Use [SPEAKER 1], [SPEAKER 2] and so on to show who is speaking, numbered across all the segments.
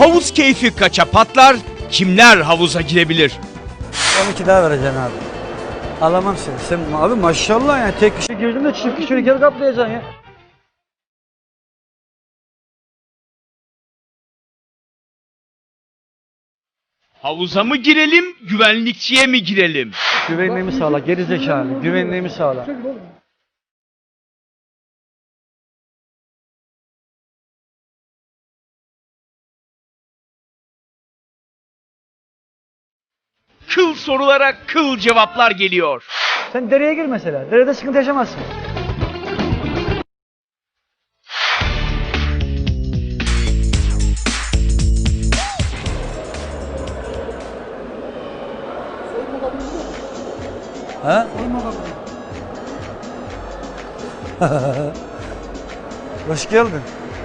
[SPEAKER 1] Havuz keyfi kaça patlar? Kimler havuza girebilir?
[SPEAKER 2] 12 daha vereceksin abi. Alamam seni. Sen abi maşallah ya tek kişi girdin de çift kişilik yer kaplayacaksın ya.
[SPEAKER 1] Havuza mı girelim, güvenlikçiye mi girelim?
[SPEAKER 2] Güvenliğimi sağla, geri zekalı. Güvenliğimi sağla.
[SPEAKER 1] Kıl sorulara kıl cevaplar geliyor.
[SPEAKER 2] Sen dereye gir mesela. Derede sıkıntı yaşamazsın. Ha? Hoş geldin.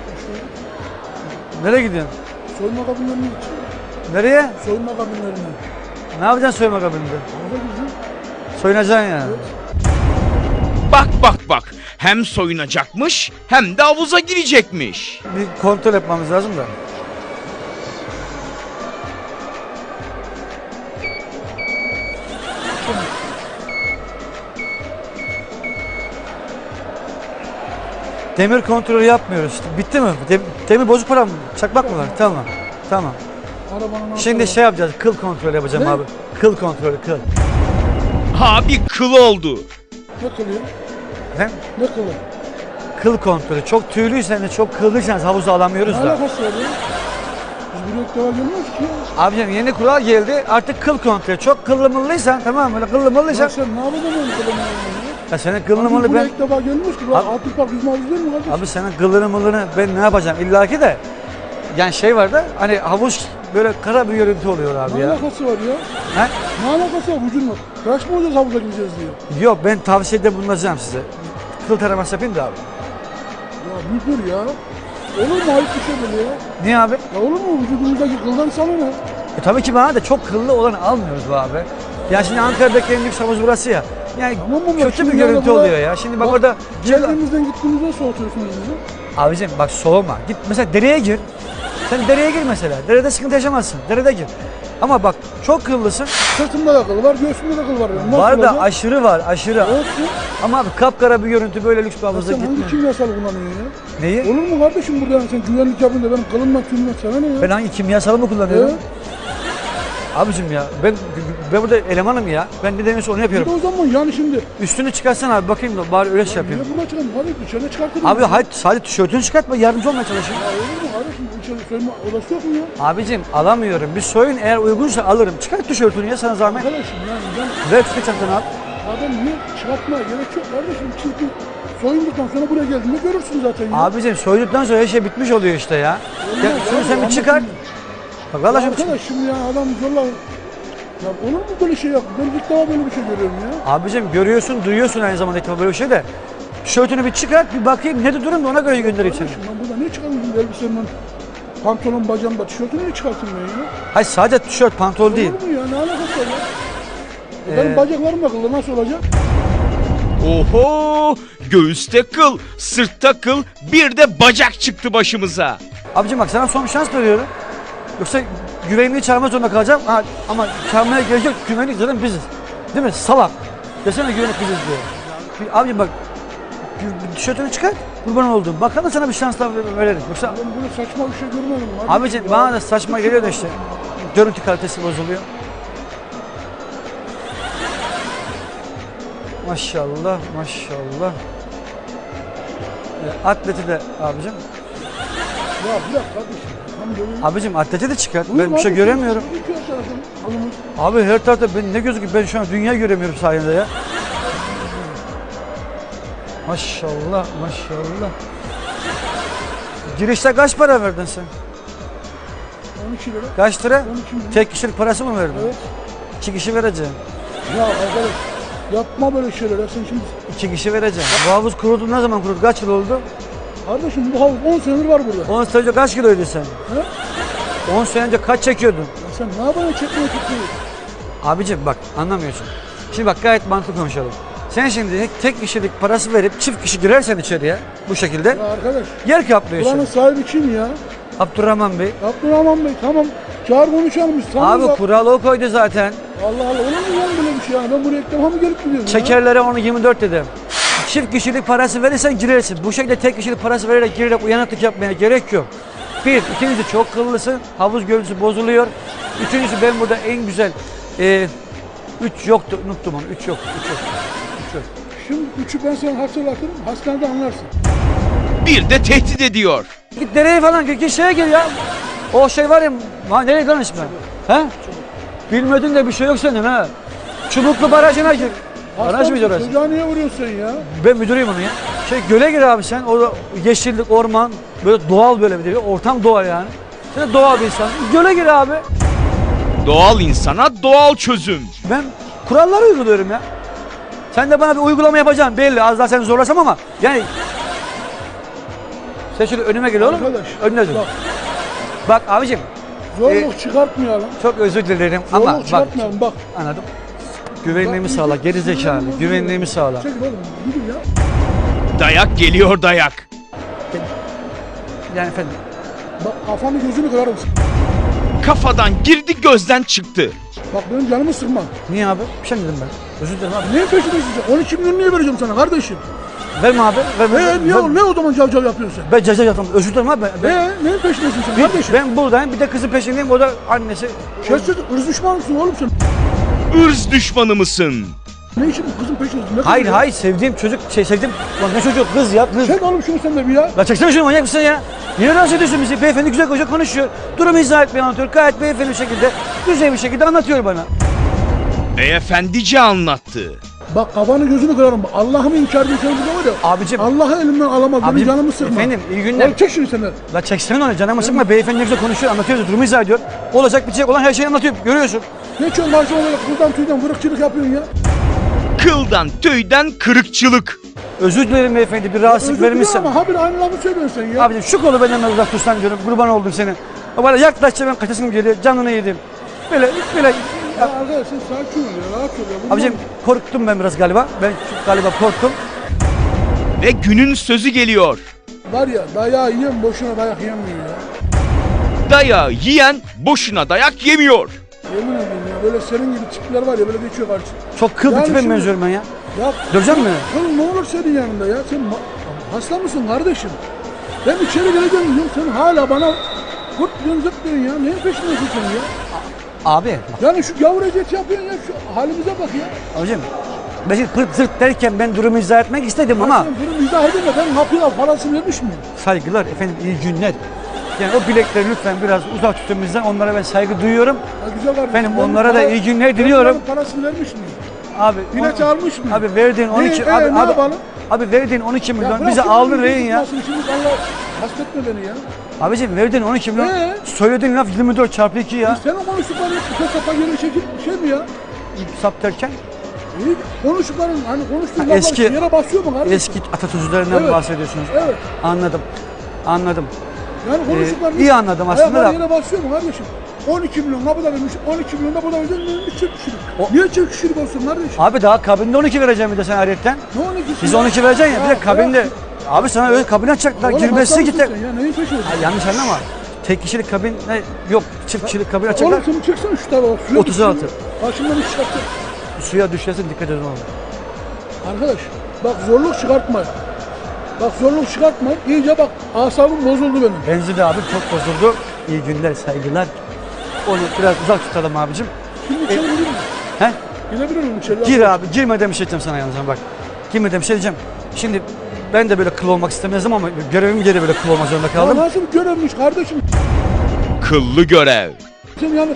[SPEAKER 2] Nereye gidiyorsun?
[SPEAKER 3] Soyunma kabinlerine git.
[SPEAKER 2] Nereye?
[SPEAKER 3] Soyunma kabinlerine.
[SPEAKER 2] Ne yapacaksın soyunma kabininde?
[SPEAKER 3] Orada gideceğim.
[SPEAKER 2] Soyunacaksın yani.
[SPEAKER 1] Bak bak bak. Hem soyunacakmış hem de havuza girecekmiş.
[SPEAKER 2] Bir kontrol yapmamız lazım da. Demir kontrolü yapmıyoruz. Bitti mi? Demir bozuk para mı? Çakmak mı var? Tamam. Tamam.
[SPEAKER 3] Arabanın
[SPEAKER 2] Şimdi şey yapacağız. Kıl kontrolü yapacağım
[SPEAKER 3] Ne?
[SPEAKER 2] abi. Kıl kontrolü, kıl.
[SPEAKER 1] Abi kıl oldu.
[SPEAKER 3] Ne kılıyor?
[SPEAKER 2] Efendim?
[SPEAKER 3] Ne kılıyor?
[SPEAKER 2] Kıl kontrolü. Çok tüylüysen de çok kıllıysanız havuza alamıyoruz
[SPEAKER 3] Ne
[SPEAKER 2] da.
[SPEAKER 3] alakası var ya? Biz buraya ilk defa gelmiyoruz ki.
[SPEAKER 2] Abicim yeni kural geldi. Artık kıl kontrolü. Çok kıllı mıllıysan tamam mı? Böyle kıllı
[SPEAKER 3] Ya
[SPEAKER 2] mıllıysan.
[SPEAKER 3] sen ne yapacaksın öyle kılını
[SPEAKER 2] Ya senin kıllını
[SPEAKER 3] Biz
[SPEAKER 2] mıllı
[SPEAKER 3] buraya
[SPEAKER 2] ben...
[SPEAKER 3] ilk defa gelmiyoruz ki.
[SPEAKER 2] Abi-
[SPEAKER 3] Altın Park yüzme havuzu değil mi kardeşim?
[SPEAKER 2] Abi senin kıllını mıllını ben ne yapacağım? İlla ki de. Yani şey var da hani havuz böyle kara bir görüntü oluyor abi
[SPEAKER 3] Ne
[SPEAKER 2] ya.
[SPEAKER 3] alakası var ya?
[SPEAKER 2] He?
[SPEAKER 3] Ne alakası var vücudun? Kaç mı olacağız havuza gireceğiz diye?
[SPEAKER 2] Yok ben tavsiyede bulunacağım size. Kıl taraması yapayım da abi.
[SPEAKER 3] Ya bir dur ya. Olur mu ayıp bir şey böyle ya?
[SPEAKER 2] Niye abi?
[SPEAKER 3] Ya olur mu vücudumuzdaki kıldan sana ne?
[SPEAKER 2] Tabii ki bana da çok kıllı olan almıyoruz bu abi. Ya şimdi Ankara'daki en lüks havuz burası ya. Yani
[SPEAKER 3] Tamam mı?
[SPEAKER 2] kötü bir
[SPEAKER 3] Şimdi
[SPEAKER 2] görüntü
[SPEAKER 3] yani buna-
[SPEAKER 2] oluyor ya. Şimdi bak orada...
[SPEAKER 3] Geldiğimizden gittiğimizden soğutuyorsunuz bizi.
[SPEAKER 2] Abicim bak soğuma. Git mesela dereye gir. Sen dereye gir mesela. Derede sıkıntı yaşamazsın. Derede gir. Ama bak çok kıllısın.
[SPEAKER 3] Sırtımda da kıl var, göğsümde de kıl var. Yani. Nasıl
[SPEAKER 2] Var da
[SPEAKER 3] olacak?
[SPEAKER 2] aşırı var aşırı.
[SPEAKER 3] Olsun.
[SPEAKER 2] Ama abi kapkara bir görüntü böyle lüks bir
[SPEAKER 3] Ya
[SPEAKER 2] havuza
[SPEAKER 3] sen hangi
[SPEAKER 2] gitmiyor.
[SPEAKER 3] kimyasal kullanıyorsun ya?
[SPEAKER 2] Neyi?
[SPEAKER 3] Olur mu kardeşim burada yani sen güvenlik yapınca benim kılımdan tümden sana ne ya?
[SPEAKER 2] Ben hangi kimyasalı mı kullanıyorum?
[SPEAKER 3] Evet.
[SPEAKER 2] Abicim ya ben burada elemanım ya. Ben ne demiyorsa onu
[SPEAKER 3] Bir de
[SPEAKER 2] yapıyorum.
[SPEAKER 3] o zaman yani şimdi
[SPEAKER 2] Üstünü çıkarsana abi bakayım da bari öyle şey yapayım.
[SPEAKER 3] niye burada çıkalım? Hadi dışarı çıkartırım.
[SPEAKER 2] Abi hadi sadece tişörtünü çıkartma yardımcı olmaya çalışayım.
[SPEAKER 3] Ya olur mu kardeşim? İçeri soyunma odası yok mu ya?
[SPEAKER 2] Abicim alamıyorum. Bir soyun eğer uygunsa alırım. Çıkart tişörtünü ya sana zahmet.
[SPEAKER 3] Arkadaşım yani ben
[SPEAKER 2] Ver çıkart çantanı abi.
[SPEAKER 3] adam niye çıkartmaya gerek yok kardeşim. Çünkü soyunduktan sonra buraya geldiğinde görürsün zaten ya.
[SPEAKER 2] Abicim soyduktan sonra her şey bitmiş oluyor işte ya. Ya
[SPEAKER 3] Olmaz
[SPEAKER 2] şunu
[SPEAKER 3] abi,
[SPEAKER 2] sen bir
[SPEAKER 3] ama
[SPEAKER 2] çıkar.
[SPEAKER 3] şimdi-
[SPEAKER 2] Bak
[SPEAKER 3] Ya
[SPEAKER 2] vallahi şimdi
[SPEAKER 3] arkadaş şimdi ya adam zorla... Ya olur mu böyle şey yap? Ben ilk defa böyle bir şey görüyorum ya.
[SPEAKER 2] abicim görüyorsun, duyuyorsun aynı zamanda ilk defa böyle bir şey de. Tişörtünü bir çıkart, bir bakayım ne de durum da ona göre göndereyim seni.
[SPEAKER 3] Kardeşim ben burada ne çıkarmışım elbisemden? Pantolon bacağımda tişörtümü ne çıkartayım ben ya?
[SPEAKER 2] Hayır sadece tişört, pantolon değil.
[SPEAKER 3] Olur mu ya? Ne alakası var ya? Benim bacaklarım da kıllı nasıl olacak?
[SPEAKER 1] Oho! Göğüste kıl, sırtta kıl, bir de bacak çıktı başımıza.
[SPEAKER 2] Abicim bak sana son bir şans veriyorum. Yoksa güvenliği çağırmak zorunda kalacağım. Ha, ama çağırmaya gerek yok. Güvenlik zaten biziz. Değil mi? Salak. Desene güvenlik biziz diye. Abicim bak tişörtünü çıkart. Kurban olduğum. Bakalım sana bir şans daha verelim. Yoksa
[SPEAKER 3] Ben böyle saçma bir şey görmedim.
[SPEAKER 2] abicim bana da saçma geliyor da işte. Görüntü kalitesi bozuluyor. Maşallah, maşallah. Atleti de abicim.
[SPEAKER 3] Ya bırak kardeşim. Tam böyle...
[SPEAKER 2] Abicim atleti de çıkart.
[SPEAKER 3] Buyur
[SPEAKER 2] Ben bir şey
[SPEAKER 3] kardeşim,
[SPEAKER 2] göremiyorum.
[SPEAKER 3] iki yaşardım, alımız.
[SPEAKER 2] Abi her tarafta ben ne gözüküyor? Ben şu an dünya göremiyorum sayende ya. Maşallah, maşallah. Girişte kaç para verdin sen?
[SPEAKER 3] 12 lira.
[SPEAKER 2] Kaç lira?
[SPEAKER 3] 12 lira.
[SPEAKER 2] Tek kişilik parası mı verdin?
[SPEAKER 3] Evet.
[SPEAKER 2] 2 kişi vereceğim.
[SPEAKER 3] Ya arkadaş yapma böyle şeyler. Ya sen şimdi...
[SPEAKER 2] 2 kişi vereceğim. Bu havuz kuruldu ne zaman kuruldu? Kaç yıl oldu?
[SPEAKER 3] Kardeşim bu havuz 10 senedir var burada.
[SPEAKER 2] 10 sene önce kaç kiloydun sen?
[SPEAKER 3] He?
[SPEAKER 2] 10 sene önce kaç çekiyordun?
[SPEAKER 3] Ya sen ne yapacaksın çekmeye tutmayı?
[SPEAKER 2] Abicim bak anlamıyorsun. Şimdi bak gayet mantıklı konuşalım. Sen şimdi tek kişilik parası verip çift kişi girersen içeriye bu şekilde
[SPEAKER 3] Ya arkadaş
[SPEAKER 2] yer kaplıyorsun.
[SPEAKER 3] buranın sahibi kim ya?
[SPEAKER 2] Abdurrahman Bey.
[SPEAKER 3] Abdurrahman Bey tamam. Çağır konuşalım biz. Tamam
[SPEAKER 2] Abi
[SPEAKER 3] bak.
[SPEAKER 2] kuralı o koydu zaten.
[SPEAKER 3] Allah Allah olur mu lan böyle bir şey yani? Ben buraya ilk defa mı gelip gidiyorum ya?
[SPEAKER 2] Şekerlere onu 24 dedim. Çift kişilik parası verirsen girersin. Bu şekilde tek kişilik parası girerek uyanıklık yapmaya gerek yok. Bir, ikincisi çok kıllısın. Havuz görüntüsü bozuluyor. Üçüncüsü ben burada en güzel... üç yoktu, unuttum onu. Üç yok.
[SPEAKER 3] Şimdi üçü ben sana hatırlatırım. Hastanede anlarsın.
[SPEAKER 1] Bir de tehdit ediyor.
[SPEAKER 2] Git nereye falan git şeye gir ya. O şey var ya, nereye konuşma? He? Bilmedin de bir şey yok senin ha. Çubuklu barajına gir. Baraj mıydı orası?
[SPEAKER 3] Çocuğa niye vuruyorsun ya?
[SPEAKER 2] Ben müdürüyüm onu ya. Göle gir abi sen. Orada yeşillik, orman, böyle doğal böyle bir ortam doğal yani. Sen de doğal bir insan. Göle gir abi.
[SPEAKER 1] Doğal insana doğal çözüm.
[SPEAKER 2] Ben kuralları uyguluyorum ya. Sen de bana bir uygulama yapacaksın belli. Az daha seni zorlasam ama yani... Sen şöyle önüme gel oğlum.
[SPEAKER 3] Arkadaş,
[SPEAKER 2] Önüne dur.
[SPEAKER 3] bak.
[SPEAKER 2] Bak abicim.
[SPEAKER 3] Zorluk çıkartmayalım.
[SPEAKER 2] Çok özür dilerim
[SPEAKER 3] Zorluk
[SPEAKER 2] ama bak.
[SPEAKER 3] çıkartmayalım bak.
[SPEAKER 2] Anladım. Güvenliğimi sağla, geri zekalı. Güvenliğimi sağla.
[SPEAKER 3] Çekil oğlum gidin ya.
[SPEAKER 1] Dayak geliyor dayak.
[SPEAKER 2] Yani efendim.
[SPEAKER 3] Bak kafanı gözünü kırarım.
[SPEAKER 1] Kafadan girdi gözden çıktı.
[SPEAKER 3] Bak benim canımı sıkma.
[SPEAKER 2] Niye abi? Bir şey mi dedim ben? Özür dilerim abi.
[SPEAKER 3] Neyin peşindesin sen? 12 milyon niye vereceğim sana kardeşim?
[SPEAKER 2] Verme abi. Verme.
[SPEAKER 3] Ne o zaman cavcav yapıyorsun sen?
[SPEAKER 2] Ben ceza yaptım. Özür dilerim abi.
[SPEAKER 3] Neyin peşindesin sen kardeşim?
[SPEAKER 2] Ben buradayım. Bir de kızın peşindeyim. O da annesi.
[SPEAKER 3] Şersiz ırz düşmanı mısın oğlum sen?
[SPEAKER 1] Irz düşmanı mısın?
[SPEAKER 3] Ne için bu kızın peşindesin? Ne
[SPEAKER 2] Hayır
[SPEAKER 3] kızı ya?
[SPEAKER 2] hayır sevdiğim çocuk sevdiğim. Lan ne çocuk kız ya kız.
[SPEAKER 3] Çek oğlum şunu sen de bir ya.
[SPEAKER 2] La çeksene şunu manyak mısın ya? Niye rahatsız ediyorsun bizi? Beyefendi güzel koca konuşuyor. Durumu izah etmeye anlatıyor. Gayet beyefendi bir şekilde, güzel bir şekilde anlatıyor bana.
[SPEAKER 1] Beyefendice anlattı.
[SPEAKER 3] Bak kafanı gözünü kırarım. Allah'ımı inkar ediyorsun burada var ya.
[SPEAKER 2] Abicim.
[SPEAKER 3] Allah'ı elimden alamaz. Benim
[SPEAKER 2] Abicim,
[SPEAKER 3] canımı sıkma.
[SPEAKER 2] efendim, iyi günler.
[SPEAKER 3] Oğlum çek şunu sen de.
[SPEAKER 2] La çeksene onu canımı sıkma. Beyefendi ne güzel konuşuyor, anlatıyor, durumu izah ediyor. Olacak bitecek olan her şeyi anlatıyor. Görüyorsun.
[SPEAKER 3] Ne çok karşı olarak buradan tüyden vırıkçılık yapıyorsun ya.
[SPEAKER 1] Kıldan tüyden kırıkçılık.
[SPEAKER 2] Özür dilerim beyefendi, bir rahatsızlık
[SPEAKER 3] Özür dilerim
[SPEAKER 2] vermişsem.
[SPEAKER 3] ama habire aynı lafı söylüyorsun sen ya.
[SPEAKER 2] Abicim şu kolu benden uzak tutsan diyorum. Kurban oldum senin. Bana yaklaşça ben kaçasım geliyor. Canını yedim. Böyle.
[SPEAKER 3] Ya arkadaş sen sakin ol ya. Rahat ol ya. Bundan-
[SPEAKER 2] Abicim korktum ben biraz galiba. Ben galiba korktum.
[SPEAKER 1] Ve günün sözü geliyor.
[SPEAKER 3] Var ya dayağı yiyen boşuna dayak yemiyor ya.
[SPEAKER 1] Dayağı yiyen boşuna dayak yemiyor.
[SPEAKER 3] Yemin ederim ya böyle senin gibi tipler var ya böyle geçiyor karşı.
[SPEAKER 2] Çok kıl bir
[SPEAKER 3] Yani
[SPEAKER 2] tipe
[SPEAKER 3] şimdi-
[SPEAKER 2] benziyorum ben ya.
[SPEAKER 3] Ya
[SPEAKER 2] Dövecek mi?
[SPEAKER 3] kıl ne olur senin yanında ya. Sen hasta mısın kardeşim? Ben içeri geleceğim diyorum sen hala bana kurt diyorsun zıp diyorsun ya. Neyin peşindesin sen ya?
[SPEAKER 2] Abi.
[SPEAKER 3] Yani şu gavur eziyeti yapıyorsun ya şu halimize bak ya.
[SPEAKER 2] Abicim. Ben şimdi pırt zırt derken ben durumu izah etmek istedim ama
[SPEAKER 3] Sen bunu izah edin de ben kapıya parasını vermiş miyim?
[SPEAKER 2] saygılar efendim iyi günler. Yani o bilekleri lütfen biraz uzak tutun bizden. Onlara ben saygı duyuyorum.
[SPEAKER 3] Ya güzel kardeşim.
[SPEAKER 2] Efendim,
[SPEAKER 3] ben
[SPEAKER 2] onlara da
[SPEAKER 3] para-
[SPEAKER 2] iyi günler
[SPEAKER 3] ben
[SPEAKER 2] diliyorum.
[SPEAKER 3] bunların parasını vermiş miyim?
[SPEAKER 2] Abi
[SPEAKER 3] Bilet almış mı?
[SPEAKER 2] Abi verdiğin 12
[SPEAKER 3] ne
[SPEAKER 2] abi,
[SPEAKER 3] yapalım?
[SPEAKER 2] abi verdiğin 12 milyon
[SPEAKER 3] bırak
[SPEAKER 2] bize
[SPEAKER 3] şimdi
[SPEAKER 2] aldın
[SPEAKER 3] bunu
[SPEAKER 2] rehin ya.
[SPEAKER 3] tutmasını, Şimdi Allah hasretme beni ya.
[SPEAKER 2] Abicim verdiğin 12 milyon.
[SPEAKER 3] Ee?
[SPEAKER 2] Söylediğin laf 24 çarpı 2 ya.
[SPEAKER 3] Senin konuştukların hep sapa geri çekip şey mi ya?
[SPEAKER 2] Sap derken
[SPEAKER 3] İyi, konuştukların hani konuştuğun
[SPEAKER 2] Ha, eski-
[SPEAKER 3] laflar yere basıyor mu kardeşim?
[SPEAKER 2] eski atasözlerinden
[SPEAKER 3] Evet.
[SPEAKER 2] bahsediyorsunuz.
[SPEAKER 3] Evet.
[SPEAKER 2] Anladım. Anladım.
[SPEAKER 3] Yani konuştukların
[SPEAKER 2] iyi anladım aslında
[SPEAKER 3] ayaklar
[SPEAKER 2] da.
[SPEAKER 3] yere basıyor mu kardeşim? 12 milyon ne kadar vermiş? 12 milyon da bu da özel bir çift kişilik.
[SPEAKER 2] O-
[SPEAKER 3] Niye çift kişilik olsun kardeşim?
[SPEAKER 2] Abi daha kabinde 12 vereceğim bir de sen ayrıyetten.
[SPEAKER 3] Ne 12'si?
[SPEAKER 2] Biz 12 vereceksin ya bir de kabinde. Abi sana öyle kabine açacaklar. Girmesi git.
[SPEAKER 3] Ya neyin peşindesin?
[SPEAKER 2] Yanlış anlama. Tek kişilik kabin yok. Çift kişilik kabin açacaklar.
[SPEAKER 3] Oğlum şunu çeksene şu tarafa. Suya
[SPEAKER 2] 36.
[SPEAKER 3] düşsün. Karşımdan iş çıkarttı.
[SPEAKER 2] Suya düşersin dikkat edin oğlum.
[SPEAKER 3] Arkadaş bak zorluk çıkartma. Bak zorluk çıkartma. İyice bak asabım bozuldu benim.
[SPEAKER 2] Benzin de abi çok bozuldu. İyi günler, saygılar. Onu biraz uzak tutalım abicim.
[SPEAKER 3] Şimdi içeri girir mi?
[SPEAKER 2] He?
[SPEAKER 3] Girebilir miyim içeri?
[SPEAKER 2] Gir abi, girmeden bir şey diyeceğim sana yalnız bak. Girmeden bir şey diyeceğim. Şimdi ben de böyle kıl olmak istemezdim ama görevim gereği böyle kıl olmak zorunda
[SPEAKER 3] Ya
[SPEAKER 2] kaldım.
[SPEAKER 3] nasıl bir görevmiş kardeşim?
[SPEAKER 1] Kıllı görev.
[SPEAKER 3] Sen yani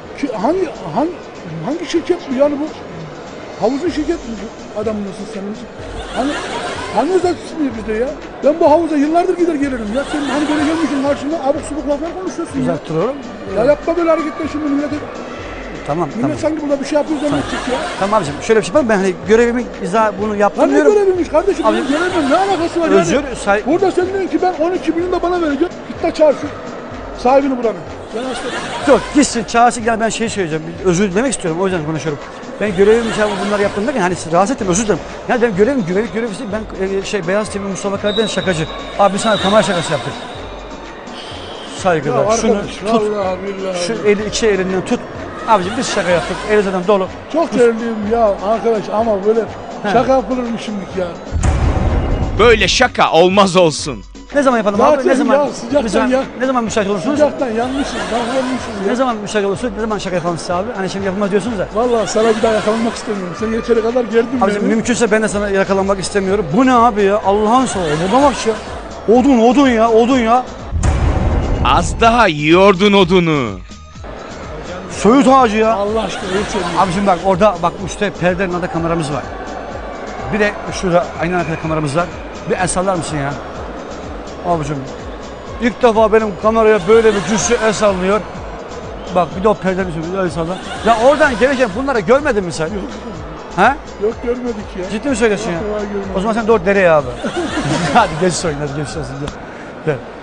[SPEAKER 3] hangi şirket bu yani bu? Havuzun şirket mi bu adam mısın sen? Hani özelsin diye bizde ya. Ben bu havuza yıllardır gider gelirim ya. Sen hani böyle gelmişsin karşımda abuk subuk laflar konuşuyorsun ya.
[SPEAKER 2] Uzak duruyorum.
[SPEAKER 3] Ya yapma böyle hareketler şimdi millete.
[SPEAKER 2] Tamam,
[SPEAKER 3] Millet
[SPEAKER 2] tamam.
[SPEAKER 3] sanki burada bir şey yapıyor zannedecek ya.
[SPEAKER 2] Tamam abicim şöyle bir şey yapalım. Ben hani görevimi bunu
[SPEAKER 3] Lan
[SPEAKER 2] yaptım
[SPEAKER 3] ne
[SPEAKER 2] diyorum.
[SPEAKER 3] göreviymiş kardeşim?
[SPEAKER 2] Abi-
[SPEAKER 3] Benim görevim ne alakası var
[SPEAKER 2] Özür,
[SPEAKER 3] yani? Burada sen diyorsun ki ben 12 milyon da bana vereceğim. Git de çağır şu sahibini buranın. Ben hasta.
[SPEAKER 2] Yok gitsin çağırsın gel ben şey söyleyeceğim. Özür dilemek istiyorum o yüzden konuşuyorum. Ben görevimi bunları yaptım derken hani rahatsız ettim özür dilerim. Yani benim görevim güvenlik görevi değil. Ben Beyaz TV Mustafa Karadeniz şakacı. Abi sana kamera şakası yaptık. saygıda.
[SPEAKER 3] Ya
[SPEAKER 2] Şunu
[SPEAKER 3] arkadaş,
[SPEAKER 2] tut.
[SPEAKER 3] vallahi billahi.
[SPEAKER 2] Şu eli iki elinden tut. Abicim biz şaka yaptık. Eli zaten dolu.
[SPEAKER 3] Çok terliyim ya arkadaş ama böyle şaka yapılır mı şimdilik ya?
[SPEAKER 1] Böyle şaka olmaz olsun.
[SPEAKER 2] Ne zaman yapalım
[SPEAKER 3] Zaten
[SPEAKER 2] abi? Ne zaman?
[SPEAKER 3] ya, sıcaktan
[SPEAKER 2] ne zaman,
[SPEAKER 3] ya.
[SPEAKER 2] ne zaman müsait olursunuz?
[SPEAKER 3] Sıcaktan yanmışız, davranmışız
[SPEAKER 2] Ne
[SPEAKER 3] ya.
[SPEAKER 2] zaman müsait olursunuz? Ne zaman şaka yapalım size abi? Hani şimdi yapılmaz diyorsunuz da.
[SPEAKER 3] Vallahi sana bir daha yakalanmak istemiyorum. Sen yeteri kadar gerdin
[SPEAKER 2] Abicim
[SPEAKER 3] beni.
[SPEAKER 2] mümkünse ben de sana yakalanmak istemiyorum. Bu ne abi ya? Allah'ın sağ Oduna bak ya. Odun ya, odun ya.
[SPEAKER 1] Az daha yiyordun odunu.
[SPEAKER 2] Söğüt ağacı ya.
[SPEAKER 3] Allah aşkına yeter.
[SPEAKER 2] Abicim bak orada bak işte perdenin orada kameramız var. Bir de şurada aynı arkada kameramız var. Bir el sallar mısın ya? Abicim ilk defa benim kameraya böyle bir cüssü el sallıyor. Bak bir de o perdenin üstüne bir el sallar. Ya oradan gelirken bunları görmedin mi sen?
[SPEAKER 3] Yok,
[SPEAKER 2] Ha?
[SPEAKER 3] yok görmedik ya.
[SPEAKER 2] Ciddi mi söylüyorsun ya?
[SPEAKER 3] Yok, görmedik.
[SPEAKER 2] O zaman sen doğru dereye abi. Hadi geç soyun hadi geç olsun. Gel.